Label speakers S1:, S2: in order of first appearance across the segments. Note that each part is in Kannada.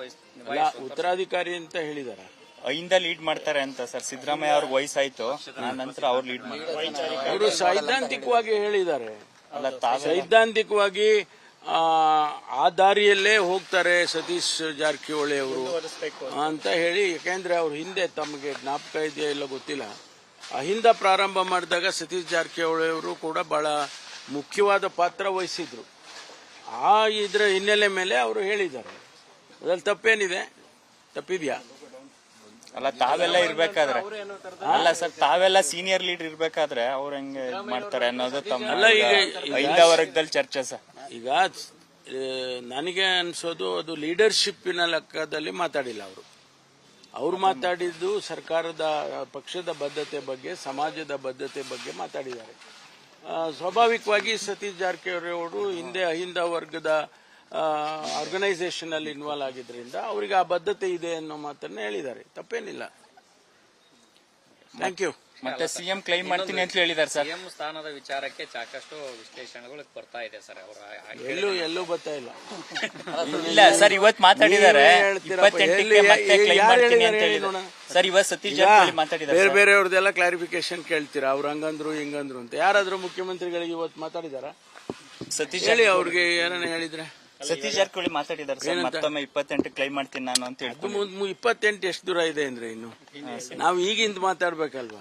S1: ಉತ್ತರಾಧಿಕಾರಿ ಅಂತ ಹೇಳಿದಾರೆ.
S2: ಅಹಿಂದ ಲೀಡ್ ಮಾಡ್ತಾರೆ ಅಂತ ಸರ್. ಸಿದ್ದರಾಮಯ್ಯ ಅವ್ರಿಗೆ ವಯಸ್ಸಾಯ್ತು, ನಂತರ ಅವ್ರು ಲೀಡ್ ಮಾಡ್ತಾರೆ.
S1: ಅವರು ಸೈದ್ಧಾಂತಿಕವಾಗಿ ಹೇಳಿದ್ದಾರೆ. ಸೈದ್ಧಾಂತಿಕವಾಗಿ ಆ ದಾರಿಯಲ್ಲೇ ಹೋಗ್ತಾರೆ ಸತೀಶ್ ಜಾರಕಿಹೊಳಿ ಅವರು ಅಂತ ಹೇಳಿ. ಯಾಕೆಂದ್ರೆ ಅವ್ರ ಹಿಂದೆ ತಮಗೆ ಜ್ಞಾಪಕ ಇದೆಯಾ ಇಲ್ಲ ಗೊತ್ತಿಲ್ಲ, ಅಹಿಂದ ಪ್ರಾರಂಭ ಮಾಡಿದಾಗ ಸತೀಶ್ ಜಾರಕಿಹೊಳಿ ಅವರು ಕೂಡ ಬಹಳ ಮುಖ್ಯವಾದ ಪಾತ್ರ ವಹಿಸಿದ್ರು. ಇದರ ಹಿನ್ನೆಲೆ ಮೇಲೆ ಅವರು ಹೇಳಿದ್ದಾರೆ. ಅದ್ರಲ್ಲಿ ತಪ್ಪೇನಿದೆ? ತಪ್ಪಿದ್ಯಾ?
S2: ಅಲ್ಲ, ತಾವೆಲ್ಲ ಇರ್ಬೇಕಾದ್ರೆ ಅಲ್ಲ ಸರ್, ತಾವೆಲ್ಲ ಸೀನಿಯರ್ ಲೀಡರ್ ಇರ್ಬೇಕಾದ್ರೆ ಅವ್ರು ಹೆಂಗೆ ಮಾಡ್ತಾರೆ ಅನ್ನೋದು ತಮ್ಮ ಅಹಿಂದ ವರ್ಗದಲ್ಲಿ ಚರ್ಚೆ ಸರ್.
S1: ಈಗ ನನಗೆ ಅನ್ಸೋದು ಅದು ಲೀಡರ್ಶಿಪ್ಪಿನ ಲೆಕ್ಕದಲ್ಲಿ ಮಾತಾಡಿಲ್ಲ ಅವರು ಮಾತಾಡಿದ್ದು ಸರ್ಕಾರದ ಪಕ್ಷದ ಬದ್ಧತೆ ಬಗ್ಗೆ, ಸಮಾಜದ ಬದ್ಧತೆ ಬಗ್ಗೆ ಮಾತಾಡಿದ್ದಾರೆ. ಸ್ವಾಭಾವಿಕವಾಗಿ ಸತೀಶ್ ಜಾರಕಿಹೊಳಿ ಅವರು ಹಿಂದೆ ಅಹಿಂದ ವರ್ಗದ ಆರ್ಗನೈಸೇಷನ್ ಅಲ್ಲಿ ಇನ್ವಾಲ್ವ್ ಆಗಿದ್ರಿಂದ ಅವರಿಗೆ ಆ ಬದ್ಧತೆ ಇದೆ ಅನ್ನೋ ಮಾತನ್ನ ಹೇಳಿದ್ದಾರೆ. ತಪ್ಪೇನಿಲ್ಲ. Thank you.
S2: ಮತ್ತೆ ಸಿಎಂ ಕ್ಲೈಮ್ ಮಾಡ್ತೀನಿ ಅಂತ ಹೇಳಿದ್ದಾರೆ ಸರ್.
S3: ಸಿಎಂ ಸ್ಥಾನದ ವಿಚಾರಕ್ಕೆ ಸಾಕಷ್ಟು ವಿಶ್ಲೇಷಣೆಗಳು ಬರ್ತಾ ಇದೆ ಸರ್.
S1: ಎಲ್ಲೂ ಬರ್ತಾ ಇಲ್ಲ.
S2: ಇಲ್ಲ ಸರ್, ಇವತ್ತು ಮಾತಾಡಿದ್ದಾರೆ. 28ಕ್ಕೆ ಮತ್ತೆ ಕ್ಲೈಮ್ ಮಾಡ್ತೀನಿ ಅಂತ ಹೇಳಿದ್ರು ಸರ್. ಇವತ್ತು ಸತೀಶ್ ಜಾರಕಿಹೊಳಿ ಮಾತಾಡಿದ್ದಾರೆ.
S1: ಬೇರೆ ಬೇರೆಯವ್ರದೆಲ್ಲ ಕ್ಲಾರಿಫಿಕೇಶನ್ ಕೇಳ್ತೀರಾ, ಅವ್ರು ಹಂಗಂದ್ರು ಹಿಂಗಂದ್ರು ಅಂತ. ಯಾರಾದ್ರೂ ಮುಖ್ಯಮಂತ್ರಿಗಳಿಗೆ ಇವತ್ತು ಮಾತಾಡಿದಾರ?
S2: ಸತೀಶ್
S1: ಹೇಳಿ, ಅವ್ರಿಗೆ ಏನನ್ನ ಹೇಳಿದ್ರೆ?
S2: ಸತೀಶ್ ಜಾರಕಿಹೊಳಿ ಮಾತಾಡಿದ್ದಾರೆ ಸರ್. ಮತ್ತೊಮ್ಮೆ 28 ಕ್ಲೈಮ್ ಮಾಡ್ತೀನಿ ನಾನು ಅಂತ ಹೇಳಿ.
S1: 28 ಎಷ್ಟು ದೂರ ಇದೆ ಅಂದ್ರೆ ಇನ್ನು ನಾವು ಈಗಿಂದ ಮಾತಾಡ್ಬೇಕಲ್ವಾ?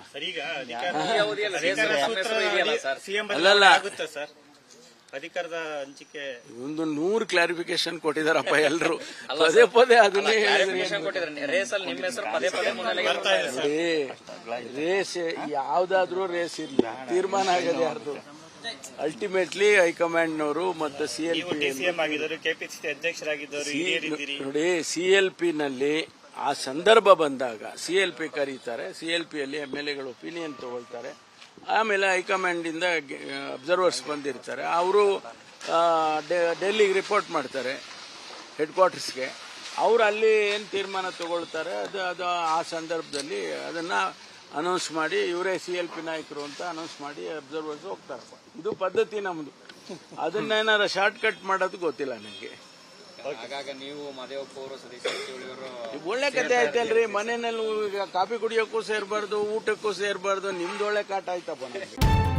S1: ಅಲ್ಲಲ್ಲ,
S4: ಅಧಿಕಾರದ ಹಂಚಿಕೆ
S1: ಒಂದು 100 ಕ್ಲಾರಿಫಿಕೇಶನ್ ಕೊಟ್ಟಿದಾರಪ್ಪ ಎಲ್ರು. ಪದೇ ಪದೇ ಅದನ್ನೇ ರೇಸ್ ಯಾವ್ದಾದ್ರೂ ರೇಸ್ ಇರ್ಲಿ, ತೀರ್ಮಾನ ಆಗದೆ ಯಾರ್ದು. ಅಲ್ಟಿಮೇಟ್ಲಿ ಹೈಕಮಾಂಡ್ನವರು ಮತ್ತು ನೋಡಿ, ಸಿಎಲ್ಪಿ ನಲ್ಲಿ ಆ ಸಂದರ್ಭ ಬಂದಾಗ ಸಿಎಲ್ಪಿ ಕರೀತಾರೆ. ಸಿಎಲ್ಪಿ ಅಲ್ಲಿ MLAಗಳು ಒಪಿನಿಯನ್ ತಗೊಳ್ತಾರೆ. ಆಮೇಲೆ ಹೈಕಮಾಂಡ್ ಇಂದ ಅಬ್ಸರ್ವರ್ಸ್ ಬಂದಿರ್ತಾರೆ. ಅವರು ಡೆಲ್ಲಿಗೆ ರಿಪೋರ್ಟ್ ಮಾಡ್ತಾರೆ, ಹೆಡ್ ಕ್ವಾರ್ಟರ್ಸ್ಗೆ. ಅವರು ಅಲ್ಲಿ ಏನು ತೀರ್ಮಾನ ತಗೊಳ್ತಾರೆ ಅದು ಆ ಸಂದರ್ಭದಲ್ಲಿ ಅದನ್ನ ಅನೌನ್ಸ್ ಮಾಡಿ, ಇವರೇ CLP ನಾಯಕರು ಅಂತ ಅನೌನ್ಸ್ ಮಾಡಿ ಅಬ್ಸರ್ವರ್ಸ್ ಹೋಗ್ತಾರೆ. ಇದು ಪದ್ಧತಿ ನಮ್ದು. ಅದನ್ನೇನಾರ ಶಾರ್ಟ್ ಕಟ್ ಮಾಡೋದು ಗೊತ್ತಿಲ್ಲ ನನಗೆ. ಒಳ್ಳೆ ಕತೆ ಆಯ್ತಲ್ರಿ. ಮನೆಯಲ್ಲಿ ಕಾಫಿ ಕುಡಿಯೋಕ್ಕೂ ಸೇರ್ಬಾರ್ದು, ಊಟಕ್ಕೂ ಸೇರ್ಬಾರ್ದು. ನಿಮ್ದು ಒಳ್ಳೆ ಕಾಟ ಆಯ್ತಪ್ಪ ನನಗೆ.